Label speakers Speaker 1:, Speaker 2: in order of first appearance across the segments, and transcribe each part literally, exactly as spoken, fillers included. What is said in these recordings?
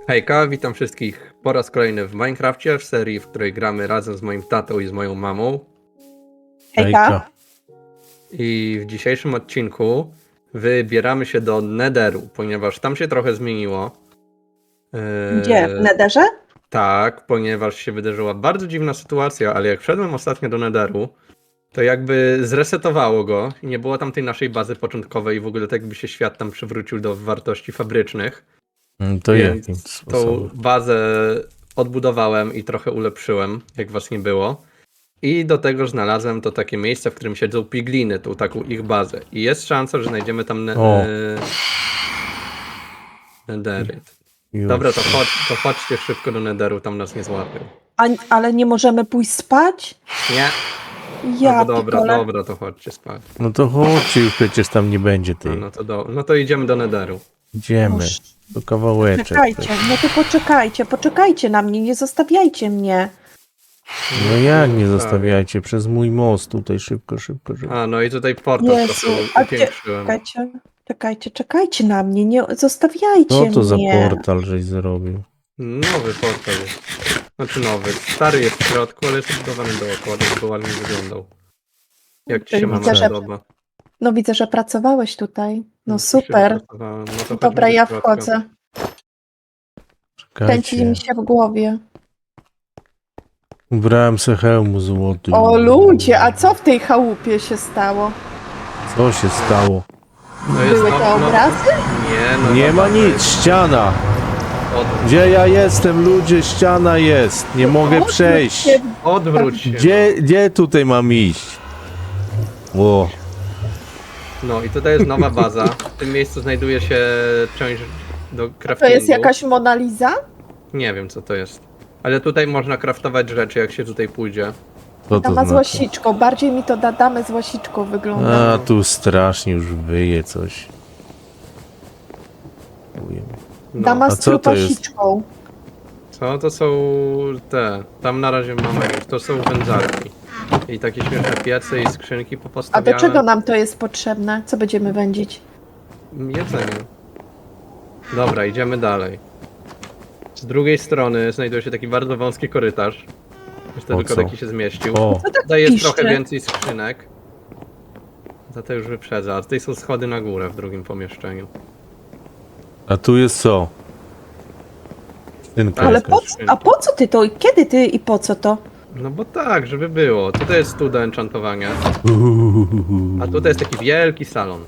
Speaker 1: Hejka, witam wszystkich po raz kolejny w Minecrafcie, w serii, w której gramy razem z moim tatą i z moją mamą.
Speaker 2: Hejka.
Speaker 1: I w dzisiejszym odcinku wybieramy się do Netheru, ponieważ tam się trochę zmieniło. Eee,
Speaker 2: Gdzie? W Netherze?
Speaker 1: Tak, ponieważ się wydarzyła bardzo dziwna sytuacja, ale jak wszedłem ostatnio do Netheru, to jakby zresetowało go i nie było tam tej naszej bazy początkowej i w ogóle tak jakby się świat tam przywrócił do wartości fabrycznych.
Speaker 3: Mm, To
Speaker 1: Więc
Speaker 3: jakim
Speaker 1: tą
Speaker 3: sposobem?
Speaker 1: bazę odbudowałem i trochę ulepszyłem, jak was nie było. I do tego znalazłem to takie miejsce, w którym siedzą pigliny, tą taką ich bazę. I jest szansa, że znajdziemy tam ne-
Speaker 3: O.
Speaker 1: e, Netheryt.
Speaker 3: Już.
Speaker 1: Dobra, to, chodź, to chodźcie szybko do Netheru, tam nas nie złapią.
Speaker 2: A, ale nie możemy pójść spać?
Speaker 1: Nie?
Speaker 2: Ja
Speaker 1: No to dobra,
Speaker 2: pikole.
Speaker 1: dobra, to chodźcie spać.
Speaker 3: No to chodźcie, już przecież tam nie będzie
Speaker 1: No,
Speaker 3: tej.
Speaker 1: no, to, do, no to idziemy do Netheru.
Speaker 3: Idziemy.
Speaker 2: Boże.
Speaker 3: To kawałeczek.
Speaker 2: Czekajcie, no to poczekajcie, poczekajcie na mnie, nie zostawiajcie mnie.
Speaker 3: No jak nie zostawiajcie? Przez mój most tutaj szybko, szybko, szybko.
Speaker 1: A, no i tutaj portal
Speaker 2: Jezu,
Speaker 1: trochę
Speaker 2: a gdzie-
Speaker 1: upiększyłem.
Speaker 2: Czekajcie, czekajcie, czekajcie na mnie, nie zostawiajcie
Speaker 3: Co to za
Speaker 2: mnie.
Speaker 3: portal żeś zrobił?
Speaker 1: Nowy portal jest. Znaczy nowy. Stary jest w środku, ale jest budowany dookoła, żeby ładnie wyglądał. Jak ci się
Speaker 2: Widzę,
Speaker 1: mama
Speaker 2: że-
Speaker 1: podoba?
Speaker 2: No widzę, że pracowałeś tutaj. No
Speaker 1: też się
Speaker 2: super.
Speaker 1: wypracowałem. No to
Speaker 2: Dobra,
Speaker 1: chodźmy do
Speaker 2: ja
Speaker 1: środka.
Speaker 2: wchodzę. Kręci
Speaker 3: Czekajcie.
Speaker 2: mi się w głowie.
Speaker 3: Ubrałem se hełmu złoty.
Speaker 2: O ludzie, a co w tej chałupie się stało?
Speaker 3: Co się stało?
Speaker 1: No jest
Speaker 2: Były
Speaker 1: no-
Speaker 2: te
Speaker 1: no-
Speaker 2: obrazy?
Speaker 1: Nie, no
Speaker 3: Nie
Speaker 1: no,
Speaker 3: ma
Speaker 1: to
Speaker 3: nic,
Speaker 1: jest
Speaker 3: ściana!
Speaker 1: Od,
Speaker 3: Gdzie ja jestem, ludzie? Ściana jest! Nie mogę
Speaker 2: Odwróć
Speaker 3: przejść!
Speaker 2: się.
Speaker 1: odwróć się.
Speaker 3: Gdzie, gdzie tutaj mam iść? Ło.
Speaker 1: No i tutaj jest nowa baza. W tym miejscu znajduje się część do
Speaker 2: To
Speaker 1: craftingu.
Speaker 2: jest jakaś Mona Lisa?
Speaker 1: Nie wiem co to jest. Ale tutaj można craftować rzeczy, jak się tutaj pójdzie.
Speaker 3: Co to
Speaker 2: Dama z
Speaker 3: znaczy?
Speaker 2: łasiczką, bardziej mi to da damę z łasiczką wygląda.
Speaker 3: A, tu strasznie już wyje coś. Ujemy.
Speaker 1: No.
Speaker 2: Dama
Speaker 3: A
Speaker 2: z
Speaker 3: co to jest?
Speaker 2: trupasiczką.
Speaker 1: Co to są te? Tam na razie mamy. To są wędzarki. I takie śmieszne piece i skrzynki
Speaker 2: A
Speaker 1: popostawiane.
Speaker 2: do czego nam to jest potrzebne? Co będziemy wędzić?
Speaker 1: Jedzenie. Dobra, idziemy dalej. Z drugiej strony znajduje się taki bardzo wąski korytarz. Myślę,
Speaker 3: O
Speaker 1: tylko
Speaker 3: co?
Speaker 1: taki się zmieścił.
Speaker 3: O,
Speaker 1: Tutaj jest
Speaker 2: piszczy?
Speaker 1: trochę więcej skrzynek. Za to już wyprzedza. A tutaj są schody na górę w drugim pomieszczeniu.
Speaker 3: a tu jest co? Skrzynka
Speaker 1: Ale
Speaker 2: Ale
Speaker 3: jakaś.
Speaker 2: po, co- a po co ty to? Kiedy ty i po co to?
Speaker 1: No bo tak, żeby było. Tutaj jest stół do enchantowania. A tutaj jest taki wielki salon.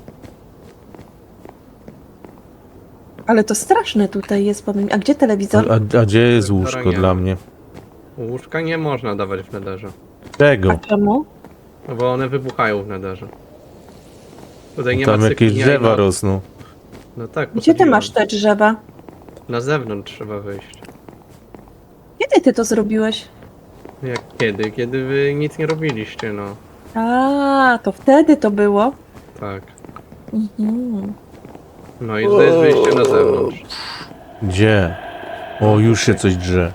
Speaker 2: Ale to straszne tutaj jest, powiem. A gdzie telewizor?
Speaker 3: A, a gdzie jest
Speaker 1: Telewizora
Speaker 3: łóżko
Speaker 1: nie
Speaker 3: dla
Speaker 1: ma.
Speaker 3: mnie?
Speaker 1: Łóżka nie można dawać w nederze.
Speaker 2: A
Speaker 3: Czego?
Speaker 2: czemu?
Speaker 1: No bo one wybuchają w nederze. Tutaj nie
Speaker 3: Tam
Speaker 1: ma
Speaker 3: jakieś
Speaker 1: sypialni,
Speaker 3: drzewa
Speaker 1: no-
Speaker 3: rosną.
Speaker 1: No tak,
Speaker 2: Gdzie ty
Speaker 1: posadziłem.
Speaker 2: masz te drzewa?
Speaker 1: Na zewnątrz trzeba wyjść.
Speaker 2: Kiedy ty to zrobiłeś?
Speaker 1: Jak kiedy? Kiedy wy nic nie robiliście, no.
Speaker 2: A, to wtedy to było.
Speaker 1: Tak.
Speaker 2: Mhm.
Speaker 1: No i tutaj jest wyjście na zewnątrz.
Speaker 3: Gdzie? O, już się coś drze.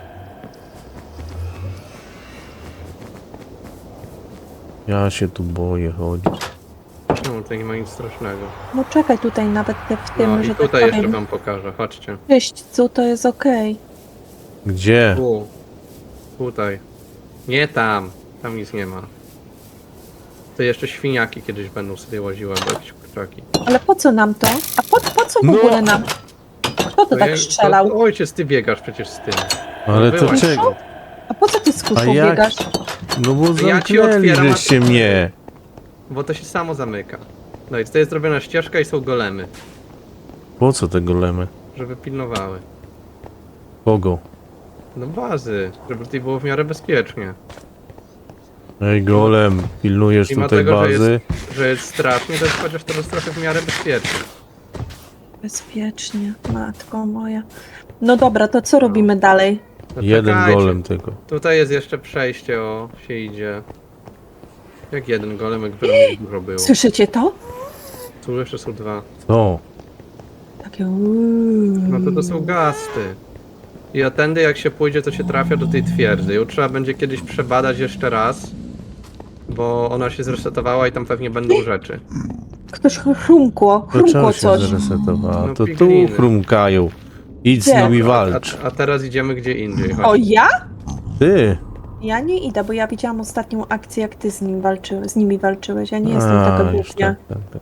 Speaker 3: Ja się tu boję chodzić.
Speaker 1: No, tutaj nie ma nic strasznego.
Speaker 2: No czekaj tutaj nawet te, w tym,
Speaker 1: No i
Speaker 2: że
Speaker 1: tutaj
Speaker 2: tak
Speaker 1: jeszcze
Speaker 2: powiem.
Speaker 1: wam pokażę, chodźcie.
Speaker 2: Czyśćcu to jest okej.
Speaker 3: Gdzie?
Speaker 1: Tu. Tutaj. Nie tam. Tam nic nie ma. To jeszcze świniaki kiedyś będą sobie łaziły, albo jakieś kurczaki.
Speaker 2: Ale po co nam to? A po, po co w
Speaker 3: No.
Speaker 2: ogóle nam? Kto to
Speaker 1: ja-
Speaker 2: tak strzelał?
Speaker 1: To, ojciec, ty biegasz przecież z tym.
Speaker 3: Ale to
Speaker 1: byłaś.
Speaker 3: czego?
Speaker 2: A po co ty z
Speaker 3: A
Speaker 2: kuszą
Speaker 3: jak?
Speaker 2: biegasz?
Speaker 3: No bo
Speaker 1: Ja ci
Speaker 3: zamknęli
Speaker 1: otwieram, a
Speaker 3: żeście
Speaker 1: ty-
Speaker 3: mnie.
Speaker 1: Bo to się samo zamyka. No i tutaj jest zrobiona ścieżka i są golemy,
Speaker 3: Po co te golemy?
Speaker 1: żeby pilnowały.
Speaker 3: Kogo?
Speaker 1: No bazy, żeby tutaj było w miarę bezpiecznie.
Speaker 3: Ej, golem, pilnujesz
Speaker 1: Mimo
Speaker 3: tutaj
Speaker 1: tego, że jest-
Speaker 3: bazy?
Speaker 1: Że jest strasznie, to jest chociaż teraz trochę w miarę bezpiecznie.
Speaker 2: Bezpiecznie, matko moja. No dobra, to co robimy dalej?
Speaker 1: No
Speaker 3: Jeden
Speaker 1: czekajcie.
Speaker 3: golem tylko.
Speaker 1: Tutaj jest jeszcze przejście, o, się idzie. Jak jeden golem, jak wiele dużo było.
Speaker 2: Słyszycie to?
Speaker 1: Tu jeszcze są dwa.
Speaker 3: Co?
Speaker 2: Takie uuu.
Speaker 1: No to to są gasty. I a tędy jak się pójdzie, to się trafia do tej twierdzy. Ją trzeba będzie kiedyś przebadać jeszcze raz. Bo ona się zresetowała i tam pewnie będą rzeczy.
Speaker 2: Ktoś chrumkło,
Speaker 3: Dlaczego
Speaker 2: chrumkło
Speaker 3: się
Speaker 2: coś.
Speaker 3: zresetowała?
Speaker 1: No,
Speaker 3: To tu
Speaker 1: pigliny.
Speaker 3: chrumkają. Idź z
Speaker 2: Gdzie?
Speaker 3: nimi
Speaker 1: A,
Speaker 3: walcz.
Speaker 1: a teraz idziemy gdzie indziej. Chodź.
Speaker 2: O, ja?
Speaker 3: Ty!
Speaker 2: Ja nie idę, bo ja widziałam ostatnią akcję, jak ty z nim walczyłeś, z nimi walczyłeś. Ja nie jestem
Speaker 3: A,
Speaker 2: taka
Speaker 3: już
Speaker 2: głupia.
Speaker 3: tak, tak, tak.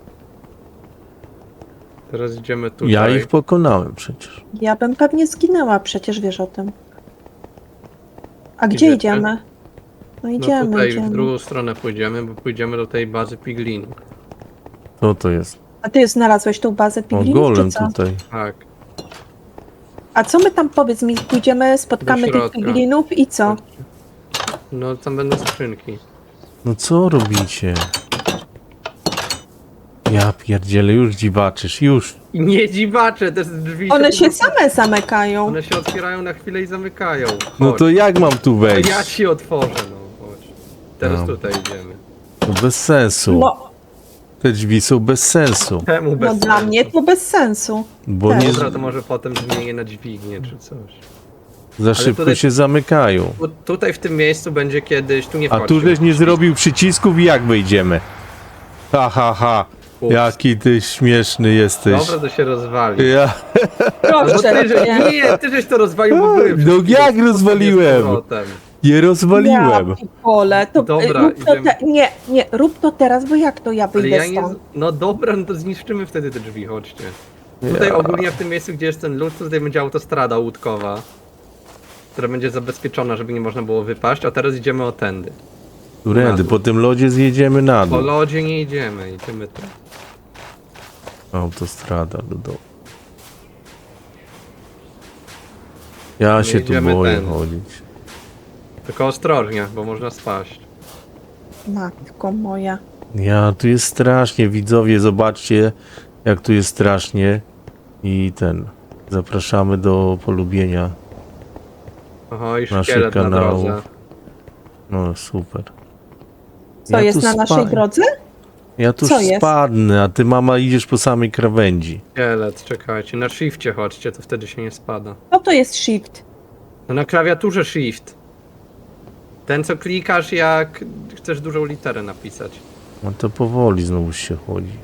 Speaker 1: Teraz idziemy tutaj.
Speaker 3: Ja ich pokonałem przecież.
Speaker 2: Ja bym pewnie zginęła, przecież wiesz o tym. A gdzie
Speaker 1: Idziecie?
Speaker 2: idziemy? No
Speaker 1: No
Speaker 2: idziemy,
Speaker 1: tutaj
Speaker 2: idziemy.
Speaker 1: w drugą stronę pójdziemy, bo pójdziemy do tej bazy piglinów.
Speaker 3: Co to jest?
Speaker 2: A ty znalazłeś tą bazę
Speaker 3: O,
Speaker 2: piglinów,
Speaker 3: golem
Speaker 2: czy co?
Speaker 3: tutaj.
Speaker 1: Tak.
Speaker 2: A co my tam, powiedz mi, pójdziemy, spotkamy
Speaker 1: Do
Speaker 2: tych
Speaker 1: środka.
Speaker 2: piglinów i co?
Speaker 1: No tam będą skrzynki.
Speaker 3: No co robicie? Ja pierdzielę, już dziwaczysz, już.
Speaker 1: I nie dziwacze, te drzwi
Speaker 2: One
Speaker 1: po
Speaker 2: się
Speaker 1: prostu-
Speaker 2: same zamykają.
Speaker 1: One się otwierają na chwilę i zamykają. Chodź.
Speaker 3: No to jak mam tu
Speaker 1: To
Speaker 3: wejść?
Speaker 1: ja ci otworzę, no chodź. Teraz
Speaker 3: No.
Speaker 1: tutaj idziemy.
Speaker 3: To bez sensu.
Speaker 2: No,
Speaker 3: Te drzwi są bez sensu.
Speaker 1: Czemu bez
Speaker 2: no dla
Speaker 1: sensu?
Speaker 2: mnie to bez sensu.
Speaker 3: Bo
Speaker 2: Tak.
Speaker 3: nie
Speaker 1: Dobra, to może potem zmienię na dźwignię czy coś.
Speaker 3: za szybko
Speaker 1: tutaj-
Speaker 3: się zamykają.
Speaker 1: Tu, tutaj w tym miejscu będzie kiedyś, tu nie
Speaker 3: A
Speaker 1: wchodźcie.
Speaker 3: tu żeś nie zrobił przycisków i jak wyjdziemy? Ha, ha, ha.
Speaker 1: Ups.
Speaker 3: Jaki ty śmieszny jesteś.
Speaker 1: Dobra, to się rozwali.
Speaker 3: Ja...
Speaker 1: No
Speaker 2: Proszę
Speaker 1: ty, że,
Speaker 2: cię.
Speaker 1: nie, ty żeś to rozwalił, bo były
Speaker 3: No
Speaker 1: wszystkie
Speaker 3: jak
Speaker 1: z
Speaker 3: rozwaliłem?
Speaker 1: powrotem.
Speaker 3: Nie rozwaliłem.
Speaker 2: Ja pole, to
Speaker 1: Dobra,
Speaker 2: rób to
Speaker 1: idziemy.
Speaker 2: te, nie, nie, rób to teraz, bo jak to ja
Speaker 1: Ale
Speaker 2: wyjdę
Speaker 1: ja nie...
Speaker 2: stąd?
Speaker 1: No dobra, no to zniszczymy wtedy te drzwi, chodźcie. Tutaj
Speaker 3: Ja.
Speaker 1: ogólnie w tym miejscu, gdzie jest ten lód, to tutaj będzie autostrada łódkowa, która będzie zabezpieczona, żeby nie można było wypaść, a teraz idziemy o tędy.
Speaker 3: Którędy? Po tym lodzie zjedziemy na
Speaker 1: Po
Speaker 3: dół.
Speaker 1: lodzie nie idziemy, idziemy tu.
Speaker 3: Autostrada do domu. Ja
Speaker 1: Nie
Speaker 3: się tu
Speaker 1: idziemy
Speaker 3: boję
Speaker 1: tędy.
Speaker 3: chodzić.
Speaker 1: Tylko ostrożnie, bo można spaść.
Speaker 2: Matko moja.
Speaker 3: Ja, tu jest strasznie, widzowie, zobaczcie jak tu jest strasznie. I ten, zapraszamy do polubienia.
Speaker 1: Oho, i
Speaker 3: Naszych
Speaker 1: szkielet na
Speaker 3: kanałów.
Speaker 1: drodze.
Speaker 3: No super.
Speaker 2: Co
Speaker 3: Ja
Speaker 2: jest
Speaker 3: tu
Speaker 2: na naszej
Speaker 3: spa-
Speaker 2: drodze?
Speaker 3: Ja tu
Speaker 2: Co jest?
Speaker 3: spadnę, a ty mama idziesz po samej krawędzi.
Speaker 1: Szkielet, czekajcie, na shifcie chodźcie, to wtedy się nie spada.
Speaker 2: Co to jest shift?
Speaker 1: No na klawiaturze shift. Ten co klikasz jak chcesz dużą literę napisać.
Speaker 3: No to powoli znowu się chodzi.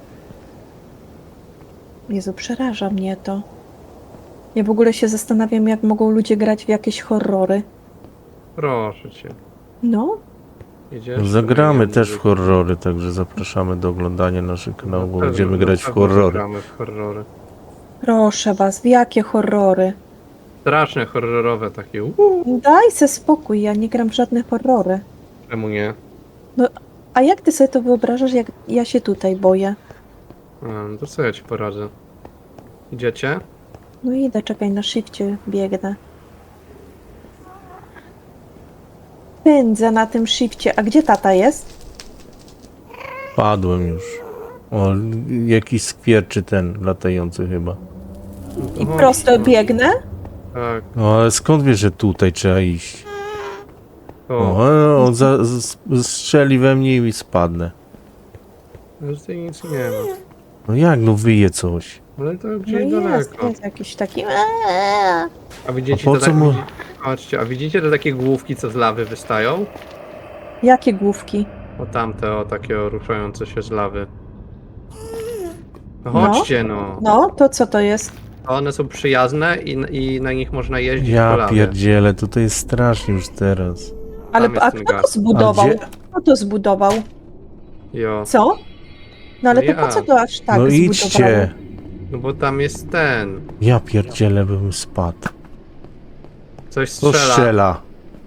Speaker 2: Jezu, przeraża mnie to. Ja w ogóle się zastanawiam, jak mogą ludzie grać w jakieś horrory.
Speaker 1: Proszę cię.
Speaker 2: No,
Speaker 1: Idziesz?
Speaker 3: Zagramy
Speaker 1: No,
Speaker 3: też w
Speaker 1: nie-
Speaker 3: horrory, także zapraszamy do oglądania naszych kanałów, bo
Speaker 1: Na pewno-
Speaker 3: będziemy
Speaker 1: na
Speaker 3: grać w
Speaker 1: pewno
Speaker 3: horrory.
Speaker 1: Zagramy w horrory.
Speaker 2: proszę was, w jakie horrory?
Speaker 1: Straszne, horrorowe takie. Uuu,
Speaker 2: Daj se spokój, ja nie gram w żadne horrory.
Speaker 1: czemu nie?
Speaker 2: A jak ty sobie to wyobrażasz, jak ja się tutaj boję?
Speaker 1: A, no to co ja ci poradzę? Idziecie?
Speaker 2: No idę, czekaj, na shifcie biegnę. Pędzę na tym shifcie. A gdzie tata jest?
Speaker 3: Padłem już. O, jakiś skwierczy ten latający chyba.
Speaker 1: No to
Speaker 2: I
Speaker 1: chodź,
Speaker 2: prosto
Speaker 1: no.
Speaker 2: biegnę?
Speaker 1: Tak.
Speaker 3: No ale skąd wiesz, że tutaj trzeba iść?
Speaker 1: O,
Speaker 3: O, on za, z, strzeli we mnie i spadnę.
Speaker 1: no tutaj nic nie ma.
Speaker 3: No jak, no wyje coś.
Speaker 1: Ale to
Speaker 2: No
Speaker 1: gdzieś
Speaker 2: jest,
Speaker 1: daleko.
Speaker 2: jest jakiś taki...
Speaker 1: A widzicie
Speaker 3: A po
Speaker 1: to
Speaker 3: co
Speaker 1: tak,
Speaker 3: mu-
Speaker 1: widzi- Chodźcie, a widzicie te takie główki, co z lawy wystają?
Speaker 2: Jakie główki?
Speaker 1: O tamte, o takie o, ruszające się z lawy. No
Speaker 2: No.
Speaker 1: chodźcie no.
Speaker 2: No, to co to jest?
Speaker 1: One są przyjazne i, i na nich można jeździć po
Speaker 3: Ja
Speaker 1: lawie.
Speaker 3: pierdzielę, tutaj jest strasznie już teraz.
Speaker 2: Ale
Speaker 1: jest
Speaker 2: a
Speaker 1: ten
Speaker 2: kto to
Speaker 1: gaz.
Speaker 2: zbudował?
Speaker 3: A gdzie-
Speaker 2: Kto to zbudował?
Speaker 1: Jo.
Speaker 2: Co? No ale
Speaker 1: No
Speaker 2: to po co
Speaker 1: ja.
Speaker 2: to aż tak
Speaker 3: no
Speaker 2: zbudowało?
Speaker 3: idźcie.
Speaker 1: No bo tam jest ten.
Speaker 3: Ja pierdzielę, bym spadł.
Speaker 1: Coś
Speaker 3: To
Speaker 1: strzela.
Speaker 3: strzela.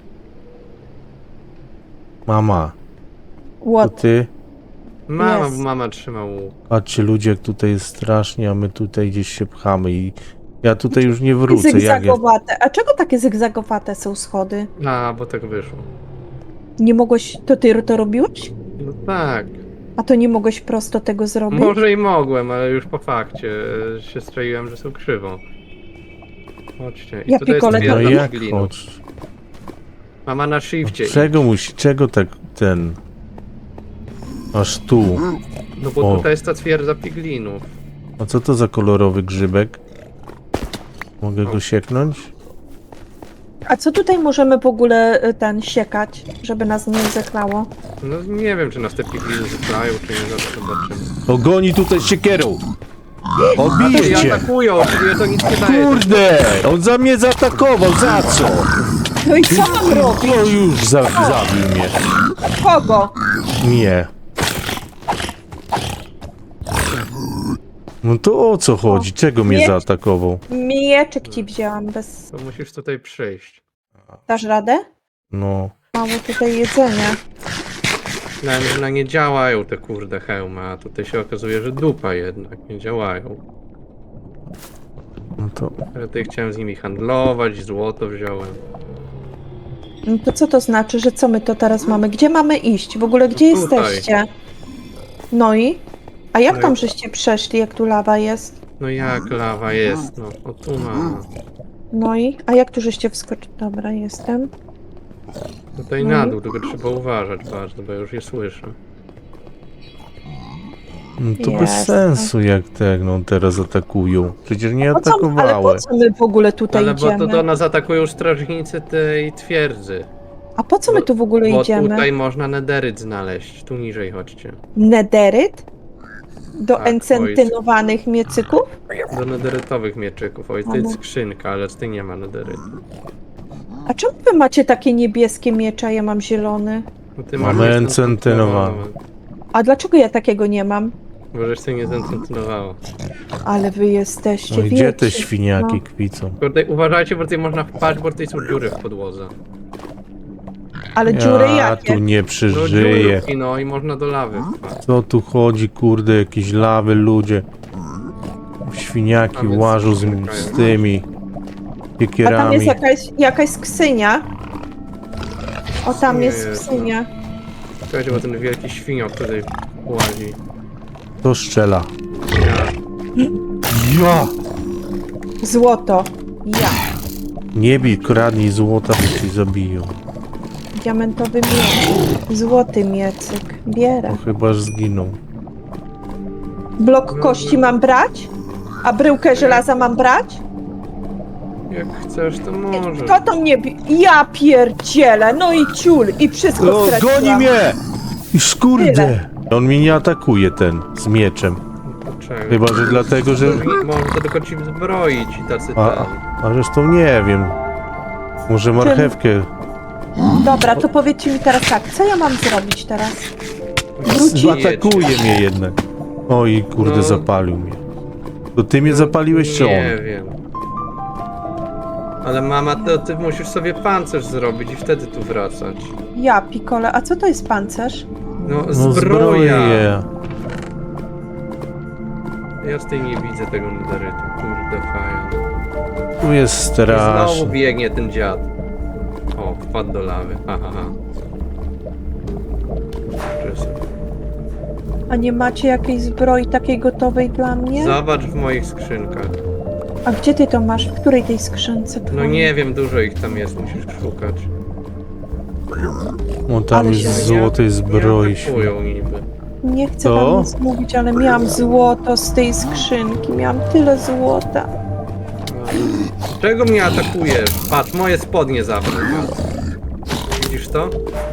Speaker 3: Mama, to
Speaker 2: What?
Speaker 3: ty?
Speaker 1: Mama,
Speaker 2: Jest.
Speaker 1: mama trzyma łuk.
Speaker 3: Patrzcie ludzie, jak tutaj jest strasznie, a my tutaj gdzieś się pchamy i ja tutaj już nie wrócę. Jak ja...
Speaker 2: Zygzagowate. A czego takie zygzagowate są schody?
Speaker 1: A, bo tak wyszło.
Speaker 2: Nie mogłeś... To ty to robiłeś?
Speaker 1: No tak.
Speaker 2: A to nie mogłeś prosto tego zrobić?
Speaker 1: Może i mogłem, ale już po fakcie e, się strzeliłem, że są krzywą. Chodźcie. I
Speaker 2: Ja
Speaker 1: tutaj jest
Speaker 2: pikole to-
Speaker 3: No
Speaker 1: twierdza
Speaker 3: jak
Speaker 1: piglinów.
Speaker 3: chodź?
Speaker 1: Mama na shifcie.
Speaker 3: Czego musi, czego tak ten... Aż tu.
Speaker 1: No bo
Speaker 3: O.
Speaker 1: tutaj jest ta twierdza piglinów.
Speaker 3: A co to za kolorowy grzybek? Mogę go sieknąć?
Speaker 2: A co tutaj możemy w ogóle y, ten siekać, żeby nas nie zeklało?
Speaker 1: No nie wiem, czy nas te pigliny zyskają, czy nie, zaraz zobaczymy.
Speaker 3: Ogoni tutaj siekierą! Odbiję
Speaker 1: I
Speaker 3: cię!
Speaker 1: atakują, czyli to nic nie daje.
Speaker 3: Kurde! On za mnie zaatakował, za co?
Speaker 2: No i co mam robić?
Speaker 3: No już za, zabił mnie.
Speaker 2: Kogo?
Speaker 3: Nie. No to o co chodzi? Czego mnie
Speaker 2: Nie.
Speaker 3: zaatakował?
Speaker 2: Mieczyk ci wzięłam bez...
Speaker 1: To musisz tutaj przyjść.
Speaker 2: Dasz radę?
Speaker 3: No.
Speaker 2: Mało tutaj jedzenia.
Speaker 1: Myślałem, że na nie działają te kurde hełmy, a tutaj się okazuje, że dupa jednak nie działają.
Speaker 3: No to...
Speaker 1: Ale tutaj chciałem z nimi handlować, złoto wziąłem.
Speaker 2: No to co to znaczy, że co my to teraz mamy? Gdzie mamy iść? W ogóle gdzie
Speaker 1: Tutaj.
Speaker 2: jesteście? No i? A jak
Speaker 1: No i-
Speaker 2: tam żeście przeszli, jak tu lawa jest?
Speaker 1: No jak lawa jest, no. O tu mamy.
Speaker 2: No i? A jak tu żeście wskoczyli? Dobra, jestem.
Speaker 1: Tutaj
Speaker 2: No
Speaker 1: na
Speaker 2: i?
Speaker 1: dół, tylko trzeba uważać bardzo, bo ja już je słyszę.
Speaker 3: No to bez
Speaker 2: Jasne.
Speaker 3: sensu jak tak, no teraz atakują. Przecież nie
Speaker 2: Po co, ale po
Speaker 3: atakowały.
Speaker 2: co my w ogóle tutaj
Speaker 1: Ale bo
Speaker 2: idziemy?
Speaker 1: to do nas atakują strażnicy tej twierdzy.
Speaker 2: A po co my
Speaker 1: bo-
Speaker 2: tu w ogóle
Speaker 1: Bo
Speaker 2: idziemy?
Speaker 1: tutaj można nederyt znaleźć. Tu niżej chodźcie.
Speaker 2: Nederyt? Do
Speaker 1: Tak,
Speaker 2: encentynowanych miecyków?
Speaker 1: Do nederytowych mieczyków. Oj, to jest skrzynka, ale z tej nie ma nederytu.
Speaker 2: A czemu wy macie takie niebieskie miecze, a ja mam zielony?
Speaker 1: No ty
Speaker 3: Mamy
Speaker 1: masz
Speaker 3: encentynowane.
Speaker 2: A dlaczego ja takiego nie mam?
Speaker 1: Bo żeś się nie zencentynowało.
Speaker 2: Ale wy jesteście,
Speaker 3: No i gdzie te
Speaker 2: wiecie,
Speaker 3: świniaki
Speaker 2: no.
Speaker 3: kwicą?
Speaker 1: Tutaj uważajcie, bo tutaj można wpaść, bo tutaj są dziury w podłodze.
Speaker 2: Ale dziury
Speaker 3: Ja
Speaker 2: jakie?
Speaker 3: tu nie
Speaker 1: No
Speaker 3: przeżyję.
Speaker 1: dziurki, no i można do lawy wpaść.
Speaker 3: Co tu chodzi, kurde, jakieś lawy, ludzie. Świniaki
Speaker 1: A więc
Speaker 3: łażą z,
Speaker 1: czekają.
Speaker 3: z tymi
Speaker 2: A tam jest
Speaker 3: piekierami.
Speaker 2: jakaś, jakaś skrzynia. O, tam
Speaker 1: Nie
Speaker 2: jest
Speaker 1: jest,
Speaker 2: skrzynia.
Speaker 1: Słuchajcie, bo ten wielki świniok tutaj łazi.
Speaker 3: To szczela.
Speaker 1: Ja.
Speaker 3: Ja!
Speaker 2: Złoto. Ja.
Speaker 3: Nie bij, kradnij złota, bo cię zabiją.
Speaker 2: Diamentowy miecz. Złoty miecyk. Bierę.
Speaker 3: No chyba że zginą.
Speaker 2: Blok kości mam brać? A bryłkę żelaza mam brać?
Speaker 1: Jak chcesz, to możesz.
Speaker 2: Kto to mnie bi... Ja pierdzielę! No i ciul! I wszystko
Speaker 3: O,
Speaker 2: straciłam.
Speaker 3: goni mnie! Już kurde!
Speaker 2: Tyle.
Speaker 3: On mnie nie atakuje ten, z mieczem.
Speaker 1: Dlaczego?
Speaker 3: Chyba, że dlatego, że...
Speaker 1: Może to tylko ci zbroić i tacy
Speaker 3: A,
Speaker 1: ten.
Speaker 3: a zresztą nie wiem. Może marchewkę.
Speaker 2: Dobra, to powiedzcie mi teraz tak, co ja mam zrobić teraz? Wrócić?
Speaker 3: Atakuje mnie jednak. Oj, kurde,
Speaker 1: No.
Speaker 3: zapalił mnie. To ty mnie zapaliłeś, czy
Speaker 1: Nie
Speaker 3: on?
Speaker 1: wiem. Ale mama, to ty musisz sobie pancerz zrobić i wtedy tu wracać.
Speaker 2: Ja, Pikole, a co to jest pancerz?
Speaker 1: No,
Speaker 3: No
Speaker 1: zbroja.
Speaker 3: zbroję.
Speaker 1: Ja z tej nie widzę tego nederytu. Kurde, faja.
Speaker 3: Tu jest
Speaker 1: I znowu
Speaker 3: strasznie.
Speaker 1: biegnie ten dziad. O, wpadł do lawy. Ha, ha, ha. Czysy.
Speaker 2: A nie macie jakiejś zbroi takiej gotowej dla mnie?
Speaker 1: Zobacz w moich skrzynkach.
Speaker 2: A gdzie ty to masz? W której tej skrzynce
Speaker 1: No
Speaker 2: twojej?
Speaker 1: nie wiem, dużo ich tam jest, musisz szukać.
Speaker 3: O, tam
Speaker 2: Ale
Speaker 3: jest
Speaker 2: się
Speaker 3: złotej zbroi.
Speaker 1: Nie atakują niby.
Speaker 2: Nie chcę
Speaker 3: Co?
Speaker 2: wam nic mówić, ale miałam złoto z tej skrzynki. Miałam tyle złota.
Speaker 1: Czego mnie atakujesz? Patrz, moje spodnie zabrał. Widzisz to?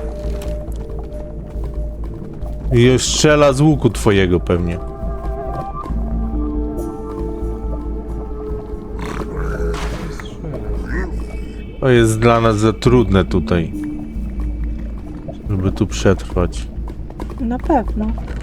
Speaker 3: I strzela z łuku twojego pewnie. To jest dla nas za trudne tutaj. Żeby tu przetrwać.
Speaker 2: Na pewno.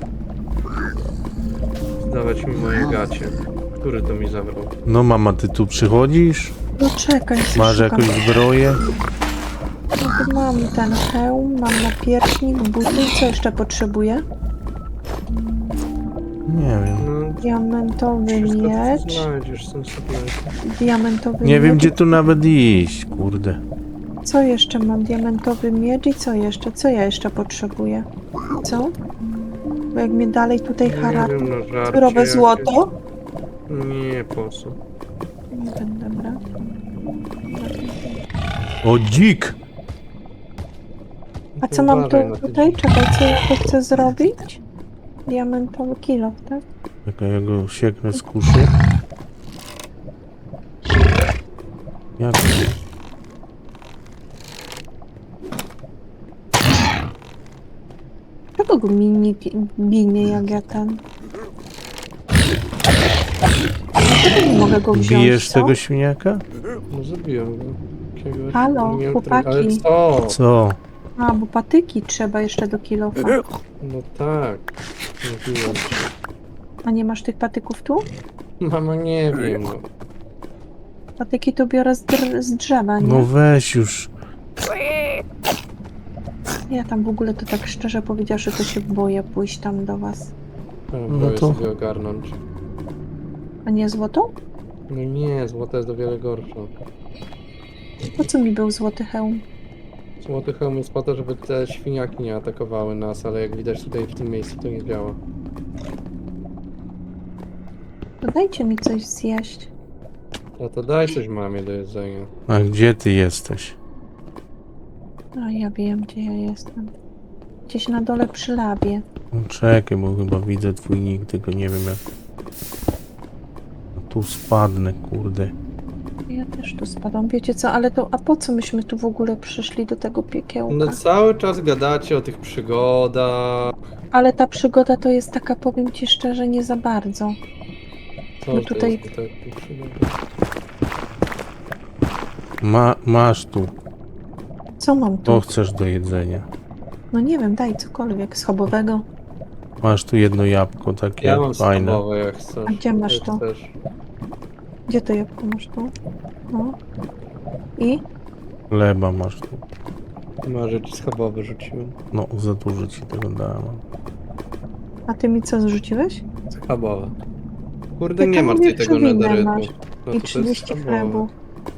Speaker 1: Zdawać mi moje gacie. Który to mi zabrał?
Speaker 3: No mama, ty tu przychodzisz?
Speaker 2: No czekaj,
Speaker 3: Masz
Speaker 2: szukam.
Speaker 3: jakąś zbroję?
Speaker 2: No to mam ten hełm, mam napierśnik, buty. Co jeszcze potrzebuję?
Speaker 3: Nie wiem.
Speaker 1: No,
Speaker 2: Diamentowy
Speaker 1: wszystko co
Speaker 2: miecz.
Speaker 1: znajdziesz, są sobie...
Speaker 2: Diamentowy
Speaker 3: Nie
Speaker 2: miecz.
Speaker 3: wiem gdzie tu nawet iść, kurde.
Speaker 2: Co jeszcze mam? Diamentowy miecz i co jeszcze? Co ja jeszcze potrzebuję? Co? Bo jak mnie dalej tutaj
Speaker 1: Nie
Speaker 2: hara...
Speaker 1: wiem, no żarcie
Speaker 2: Surowe
Speaker 1: jakieś.
Speaker 2: złoto?
Speaker 1: Nie, po co?
Speaker 2: Nie będę brać.
Speaker 3: O, dzik!
Speaker 2: A co mam tu
Speaker 1: Uważaj na te
Speaker 2: tutaj?
Speaker 1: dziki.
Speaker 2: Czekaj, co ja tu chcę zrobić? Diamentowy kilo, tak?
Speaker 3: Czekaj, ja go sieknę z kuszy. Jak to?
Speaker 2: Czego go mi nie ginie jak ja ten? Dlaczego nie mogę go wziąć,
Speaker 3: Bijesz
Speaker 2: co?
Speaker 3: tego świniaka?
Speaker 1: No zabiłem go. Jakiegoś,
Speaker 2: Halo,
Speaker 1: nie wiem,
Speaker 2: chłopaki.
Speaker 1: Ale co?
Speaker 3: Co?
Speaker 2: A, bo patyki trzeba jeszcze do kilofa.
Speaker 1: No tak. Mówiłem ci.
Speaker 2: A nie masz tych patyków tu?
Speaker 1: Mama, nie wiem. No.
Speaker 2: Patyki to biorę z, dr- z drzewa, nie?
Speaker 3: No weź już.
Speaker 2: Ja tam w ogóle to tak szczerze powiedziawszy, to się boję pójść tam do was.
Speaker 1: No
Speaker 3: No
Speaker 1: to
Speaker 3: to-
Speaker 1: sobie ogarnąć.
Speaker 2: A nie złotą?
Speaker 1: No nie, złote jest o wiele gorsze.
Speaker 2: Po co mi był złoty hełm?
Speaker 1: Złoty hełm jest po to, żeby te świniaki nie atakowały nas, ale jak widać tutaj w tym miejscu to nie działa.
Speaker 2: To dajcie mi coś zjeść.
Speaker 1: No to daj coś mamie do jedzenia.
Speaker 3: A gdzie ty jesteś?
Speaker 2: A ja wiem, gdzie ja jestem. Gdzieś na dole przy labie.
Speaker 3: No, czekaj, bo chyba widzę twój nick, tylko nie wiem jak... No, tu spadnę, kurde.
Speaker 2: Ja też tu spadam. Wiecie co, ale to... A po co myśmy tu w ogóle przyszli do tego piekiełka?
Speaker 1: No cały czas gadacie o tych przygodach.
Speaker 2: Ale ta przygoda to jest taka, powiem ci szczerze, nie za bardzo.
Speaker 1: Co
Speaker 2: No
Speaker 1: to
Speaker 2: tutaj-
Speaker 1: jest tutaj przygoda?
Speaker 3: Ma, masz tu.
Speaker 2: Co mam tu?
Speaker 3: To chcesz do jedzenia.
Speaker 2: No nie wiem, daj cokolwiek schabowego.
Speaker 3: Masz tu jedno jabłko takie
Speaker 1: Ja mam
Speaker 3: fajne.
Speaker 1: schabowe jak chcesz.
Speaker 2: A gdzie masz
Speaker 1: Jak
Speaker 2: to?
Speaker 1: chcesz.
Speaker 2: Gdzie to jabłko masz tu? No. I?
Speaker 3: Chleba masz tu.
Speaker 1: Może ci schabowe rzuciłem.
Speaker 3: No, za dużo ci tego dałem.
Speaker 2: A ty mi co zrzuciłeś?
Speaker 1: Schabowe. Kurde,
Speaker 2: Ty
Speaker 1: nie
Speaker 2: tam
Speaker 1: masz
Speaker 2: mówię,
Speaker 1: tutaj tego
Speaker 2: przewinę
Speaker 1: nederytu.
Speaker 2: masz.
Speaker 1: No
Speaker 2: I
Speaker 1: to to jest
Speaker 2: trzydzieści
Speaker 1: schabowe.
Speaker 2: chlebów.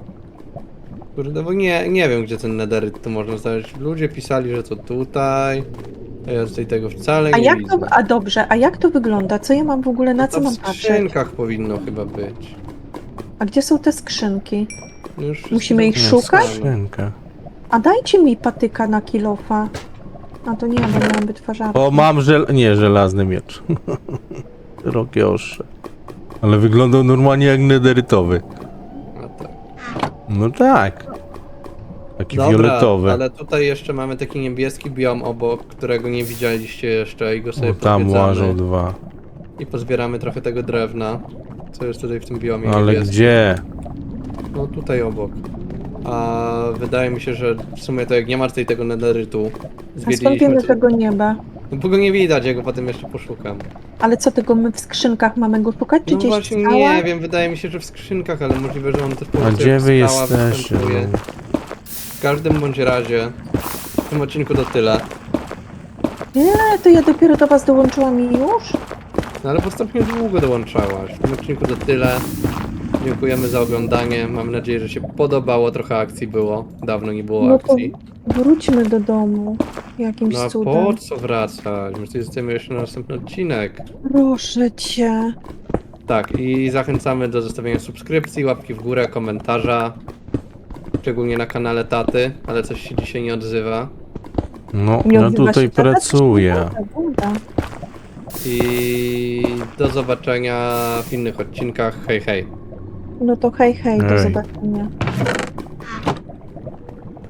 Speaker 1: Kurde, bo nie, nie wiem, gdzie ten nederyt tu można znaleźć. Ludzie pisali, że to tutaj. A ja tutaj tego wcale
Speaker 2: A
Speaker 1: nie
Speaker 2: jak
Speaker 1: widzę.
Speaker 2: to... A dobrze, a jak to wygląda? Co ja mam w ogóle, na
Speaker 1: No
Speaker 2: co
Speaker 1: to
Speaker 2: mam
Speaker 1: w
Speaker 2: patrzeć?
Speaker 1: skrzynkach powinno chyba być.
Speaker 2: A gdzie są te skrzynki?
Speaker 1: No już wszystkie
Speaker 2: Musimy
Speaker 1: są
Speaker 2: ich
Speaker 3: No,
Speaker 2: szukać?
Speaker 1: wpisane.
Speaker 3: skrzynka.
Speaker 2: A dajcie mi patyka na kilofa. A to nie, bo miałam wytwarzarkę.
Speaker 3: O, mam żel... Nie, żelazny miecz. Szerokie ostrze. Ale wyglądał normalnie jak nederytowy.
Speaker 1: A tak.
Speaker 3: No tak. Taki
Speaker 1: Dobra,
Speaker 3: fioletowy.
Speaker 1: ale tutaj jeszcze mamy taki niebieski biom obok, którego nie widzieliście jeszcze i go sobie
Speaker 3: O, tam
Speaker 1: pozwiedzamy.
Speaker 3: łażą dwa.
Speaker 1: I pozbieramy trochę tego drewna, co jest tutaj w tym biomie
Speaker 3: Ale
Speaker 1: niebieskim.
Speaker 3: gdzie?
Speaker 1: No tutaj obok. A wydaje mi się, że w sumie to jak nie ma tutaj tego nederytu,
Speaker 2: A skąd
Speaker 1: zwiedziliśmy
Speaker 2: wiemy
Speaker 1: to...
Speaker 2: tego nieba?
Speaker 1: No bo go nie widać, ja go potem jeszcze poszukam.
Speaker 2: Ale co tego my w skrzynkach mamy go szukać? Czy
Speaker 1: No
Speaker 2: gdzieś
Speaker 1: właśnie
Speaker 2: stała?
Speaker 1: nie wiem, wydaje mi się, że w skrzynkach, ale możliwe, że on też po
Speaker 3: A
Speaker 1: prostu
Speaker 3: gdzie
Speaker 1: jak
Speaker 3: wy
Speaker 1: skała
Speaker 3: jesteście?
Speaker 1: występuje. W każdym bądź razie, w tym odcinku to tyle.
Speaker 2: Nie, to ja dopiero do was dołączyłam i już?
Speaker 1: No ale postępnie długo dołączałaś. W tym odcinku to tyle. Dziękujemy za oglądanie. Mam nadzieję, że się podobało. Trochę akcji było. Dawno nie było
Speaker 2: No to
Speaker 1: akcji.
Speaker 2: wróćmy do domu. Jakimś
Speaker 1: No a
Speaker 2: cudem.
Speaker 1: po co wracać? My tutaj zostajemy jeszcze na następny odcinek.
Speaker 2: Proszę cię.
Speaker 1: Tak, i zachęcamy do zostawienia subskrypcji, łapki w górę, komentarza. Szczególnie na kanale taty, ale coś się dzisiaj nie odzywa.
Speaker 3: No,
Speaker 2: Nie
Speaker 3: ja
Speaker 2: odzywa
Speaker 3: tutaj
Speaker 2: się tata,
Speaker 3: pracuję.
Speaker 2: coś mi gada.
Speaker 1: I do zobaczenia w innych odcinkach. Hej, hej.
Speaker 2: No to hej, hej, do
Speaker 3: Hej.
Speaker 2: zobaczenia.